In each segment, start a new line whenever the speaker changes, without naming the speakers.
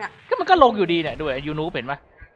เนี่ย
ก็มันก็ลงอยู่ดีเนี่ยด้วยยูนูเห็นปะ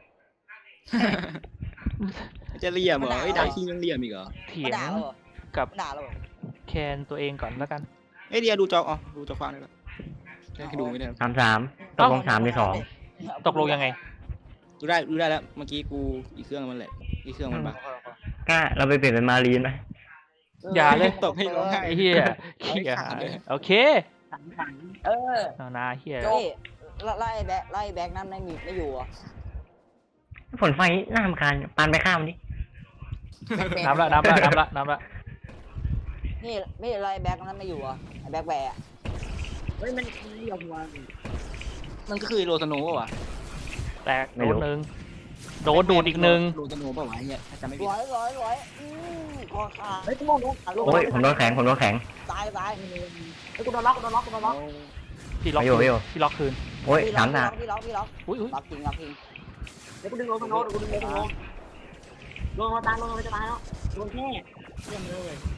จะเหลี่ยมเหรอไอ้ดาร์คิงยังเหลี่ยมอีกเหรอ
เถีย
มาง ด่าเราเหรอ
กับ
มาด่าเราเหรอ
แคนตัวเองก่อนแล้วกัน
ไอ้เดียดูจอดูจอฟังได้ปะให้ดูไม่ได้
3-3ตกลง3-2
ตกลงยังไง
ดูได้แล้วเมื่อกี้กูอีกเครื่องมันแหละอีกเครื่องมันบ้า
ก็เราไปเปลี่ยนเป็นมารีนไหม
อย่าเลย
ตกให้ร้องไห้
ไอ้เหี้ยขี้หายโอเค
สั่งเออ
เอานาเหี้ย
นี่ไล่แบ็คนั่นไม่อยู่อ่ะ
ฝนไฟน่ารำคาญปานไปข้ามมันดิ
น้ำละ
นี่ไม่ไล่แบ็คนั่นไม่อยู่อ่ะไอ้แบ็คแบร์
เฮ้ยมันเรียกว่า
มันก็คือโรสโนว์วะ
แตกโดนหนึ่งโดนดูดอีกหนึ่ง
โรสโนว์ป่าวะเนี่ยถ้าจำไม่ผิด
ร้อยคอขาด
เฮ้ยกูโดน
โอ้ยผมโดนแข็ง
ตาย
เฮ้ยกูโดนล็อก
พี่ล็อก
ไปอยู่
พี่ล็อกคืน
โอ้ย3-3
พี่ล็อก
อุ้ย
ล็อกจริง
เดี๋ยวกูดึงลงโน้ตกูดึงลงตายลงจะตายแล้วลงแค่เยี่ยมเลย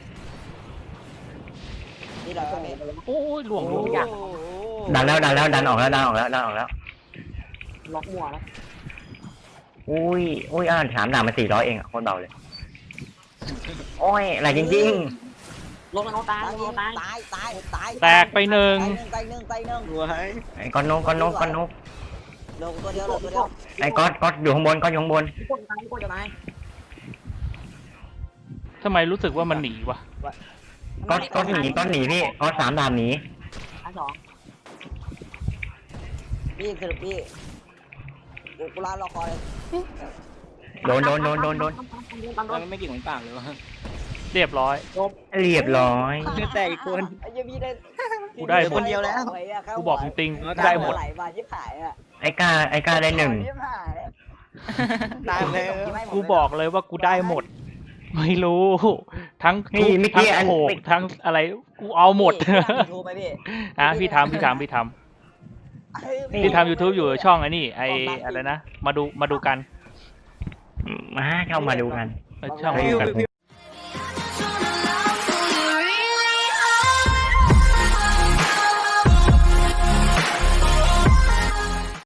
นี่เรา
โอ้ยหลวง
ดันดันออกแล้ว
ล็อกมัวแล้ว
อุ้ย3 ดาบมัน400เองอ่ะโคตรเบาเลยโอ้ยอะไรจริง
ลงโน้ตตายลงตาย
ตาย
แตกไปหนึ่ง
ตายหนึ่ง
รัวให้
ๆไอ้ก้อนนก
ลงตัวเดียว
ไอ้ก๊อตอยู่ข้างบน
กูจะตาย
ทำไมรู้สึกว่ามันหนีวะ
ก๊อตหนีพี่ก๊อต3 ดาบหนี
อันสอง
พี่สรุปพี่กูลารอคอย
โดน
มันไม่เก่งเหมือนปากเลยวะ
เรียบร้อย
เรียบร้อย
แต่อีกคน
ยังมีได้
กูได้หมด
คนเดียวแล้ว
กูบอกจริงๆได้หมด
ไหลมาชิบหายอ่ะ
ไอ้ก้าได้1
ชิบหาย
ตายแล้ว
กูบอกเลยว่ากูได้หมด ไม่รู้ ทั้งทุ
นี่
บ
เมื่อ
ทั้
กี้
ง
อัน
โขกทั้งอะไรกูเอาหมด
ทูบไหมพี่
อ่ะพี่ทำ พี่ทำ YouTube อยู่ช่องไอ้นี่ไออะไรนะมาดูกัน
เข้ามาดูกัน
ช่อง
เฮ้ย